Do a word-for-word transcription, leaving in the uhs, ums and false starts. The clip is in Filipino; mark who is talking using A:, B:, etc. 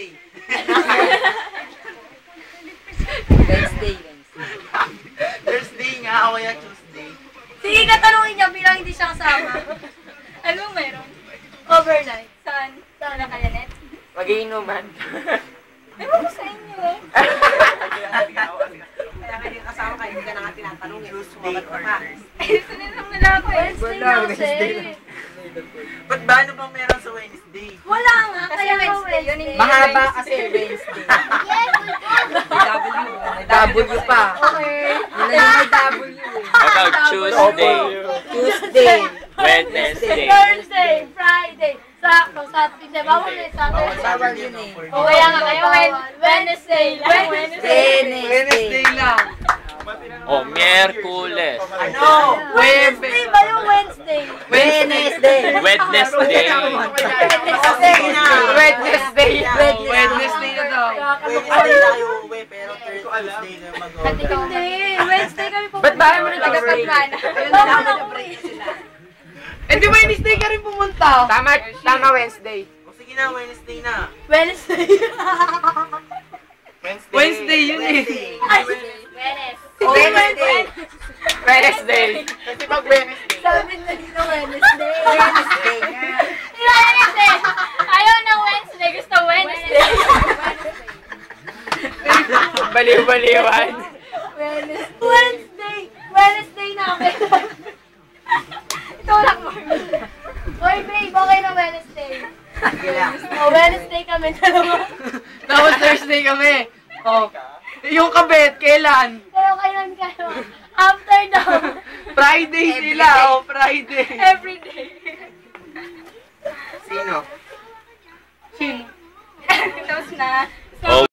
A: Wednesday.
B: Wednesday.
A: Thursday nga, o kaya Tuesday.
C: Sige, katanungin niya bilang hindi siya kasama. Anong meron? Overnight. Saan? Saan na kaya, Net?
B: Mag-iinuman.
C: Ewan ko sa inyo.
D: Kaya kayo kasama kayo, hindi ka na nga tinatanong.
A: Tuesday or Thursday.
C: Ay, sunod nila ako. Wednesday na kasi.
A: Ba't ba ano bang meron sa Wednesday?
C: Wala nga.
D: Kasi
C: Kaya
D: Wednesday,
C: Wednesday.
D: yun yung-
B: Mahaba kasi Wednesday. May W pa.
C: Okay.
B: Yun na yung may W eh.
E: How about Tuesday,
B: Tuesday.
E: Wednesday?
C: Thursday, Friday, Sakto, Saturday. Bawal na yung Saturday.
B: Bawal yun eh.
C: O kaya nga kayo, Wednesday lang.
B: Wednesday.
A: Wednesday lang.
E: O, Miyerkules.
A: Ano?
C: Wednesday ba yung Wednesday?
B: Wednesday.
E: Wednesday.
A: Wednesday na.
B: Wednesday.
A: Wednesday na daw. Wednesday na kayo uwi, pero Thursday na mag-order.
C: Hindi, Wednesday kami pupunta.
B: Ba't ba mo na taga-Patrana?
C: Bawal na uwi.
A: Eh di Wednesday ka rin pumunta.
B: Tama, tama Wednesday.
A: O sige na, Wednesday na.
C: Wednesday.
A: Wednesday. Wednesday yun eh.
C: Ay,
B: Wednesday. Wednesday. Kasi pag Wednesday.
C: sabi na dito Wednesday.
B: Wednesday.
C: Wednesday. Ayaw ng Wednesday, gusto Wednesday.
B: Baliw-baliwan.
C: Wednesday. Wednesday. Wednesday namin. Ito lang, Marvin. Oy, babe, okay na Wednesday. Oh, Wednesday kami dalawa.
A: Tapos Thursday kami. Oh. Yung kabet, kailan?
C: Pero kailan kayo? After daw.
A: Friday sila. Oh, Friday.
C: Every day.
A: Sino?
C: Sino? Tapos na.